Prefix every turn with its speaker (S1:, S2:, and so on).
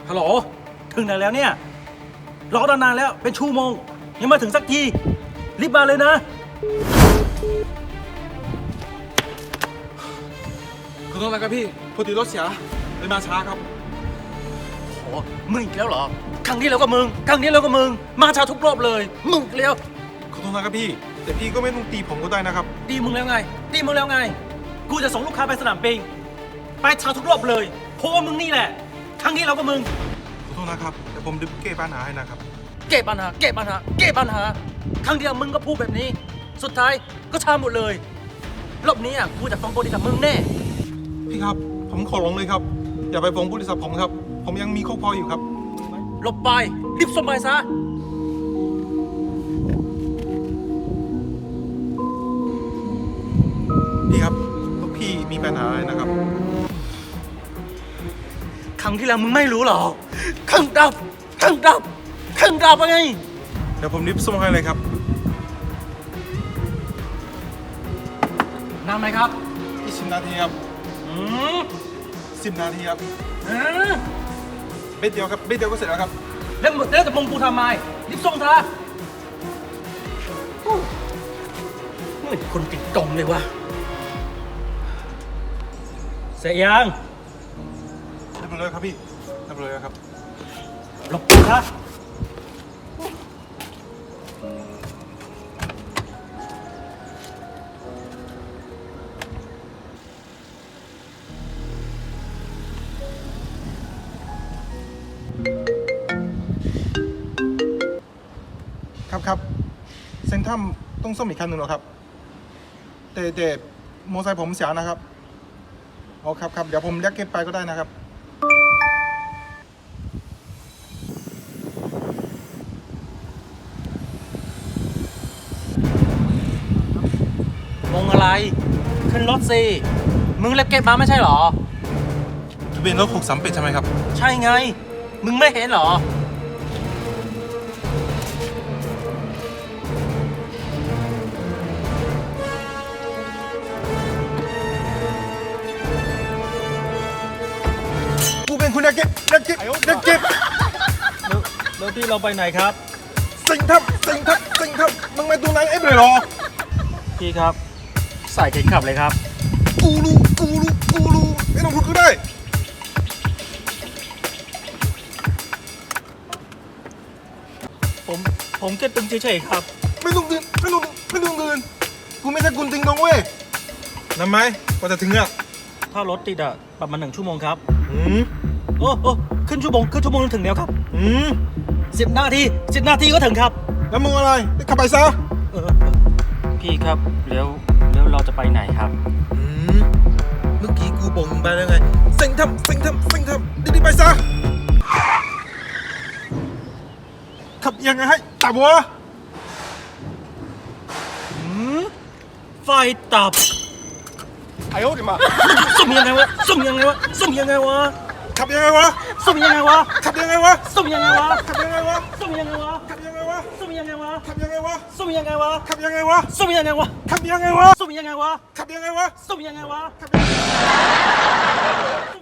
S1: ฮัลโหลถึงไหนแล้วเนี่ยรอตั้งนานแล้วเป็นชั่วโมงยังมาถึงสักทีรีบมาเลยนะ
S2: ขอโทษนะครับพี่พอดีรถเสียเลยมาช้าครับ
S1: โอ้มึงอีกแล้วเหรอครั้งนี้แล้วก็มึงครั้งนี้แล้วก็มึงมาช้าทุกรอบเลยมึงอีกแล้ว
S2: ขอโทษนะครับพี่แต่พี่ก็ไม่ต้องตีผมก็ได้นะครับ
S1: ตีมึงแล้วไงตีมึงแล้วไงกูจะส่งลูกค้าไปสนามบินไปช้าทุกรอบเลยเพราะว่ามึงนี่แหละครั้งนี้แล้วก็มึง
S2: ขอโทษนะครับเดี๋ยวผมดึงแก้ปัญหาให้นะครับ
S1: แก้ปัญหาครั้งเดียวมึงก็พูดแบบนี้สุดท้ายก็ช้าหมดเลยรอบนี้กูจะฟ้องบริษัทมึงแน่
S2: พี่ครับผมขอร้องเลยครับอย่าไปฟ้องบริษัทผมครับผมยังมีครอบครัวอยู่ครับ
S1: หลบไปรีบส่งไปซะ
S2: พี่ครับพี่มีปัญหาอะไรนะครับ
S1: ครั้งที่แล้วมึงไม่รู้หรอครั้งดับไง
S2: เดี๋ยวผมรีบส่งให้เลยครับ
S1: นานไหมครับ
S2: 20 นาทีครับ10 นาทีครับเบ็ดเดียวครับเบ็ดเดียวก็เสร็จแล้วครับ
S1: แล้วจะมงกูทำไมรีบส่งเถอะเหมือนคนติดตรงเลยวะเสร็จยัง
S2: เรียบร้อยครับพี่เรียบร้อยครับ
S1: หลบกูครับ
S2: ครับเซ็นทรัมต้องซ่อมอีกคันหนึ่งเหรอครับแต่มอเตอร์ไซค์ผมเสียนะครับอ๋อครับเดี๋ยวผมเรียกเก็บไปก็ได้นะครับ
S1: งงอะไรขึ้นรถสิมึงเล็บเก็บมาไม่ใช่หรอ
S2: ทะเบียนรถ638ใช่ไหมครับ
S1: ใช่ไงมึงไม่เห็นหรอ
S2: กูเป็นคุณเก็บ
S1: แล้วที่เราไปไหนครับ
S2: สิงทับมึงมาดูนางเอฟเลยหรอ
S1: พี่ครับใส่เข็มขัดเลยครับ
S2: กูรู้ไม่ต้องพูดก็ได้
S1: ผมแค่ตึงเฉยๆครับ
S2: ไม่ต้องเดินกูไม่ใช่กุนติงดองเว้ยนำไหมกว่าจะถึงอ่ะ
S1: ถ้ารถติดประมาณ1 ชั่วโมงครับโอ้ขึ้นชั่วโมงถึงแล้วครับ10 นาทีก็ถึงครับ
S2: แล้วมึงอะไรขับไปซะ
S1: พี่ครับแล้วเราจะไปไหนครับ
S2: เมื่อกี้กูบอกมึงไปแล้วไงเซ็งทำดีๆไปซะขับยังไงให้ตับวะ
S1: ไฟตับ
S2: ไอ้โอ้ดิมา
S1: สุ่มยังไงวะขับยังไงวะสุ่มยังไงวะ
S2: ขับยังไงวะ
S1: สุ่มยังไงวะ
S2: ขับยังไงวะ
S1: สุ่มยังไงวะ
S2: ขับยังไงวะ
S1: สุ่มยังไงวะ
S2: ขับยังไงวะ
S1: สุ่มยังไงวะ
S2: ขับยังไงวะ
S1: สุ่มยังไงวะ
S2: ขับยังไงวะ
S1: สุ่มยังไงวะ
S2: ขับยังไงวะ
S1: สุ่มยังไงวะ
S2: ขับยังไงวะ
S1: สุ่มยังไงวะ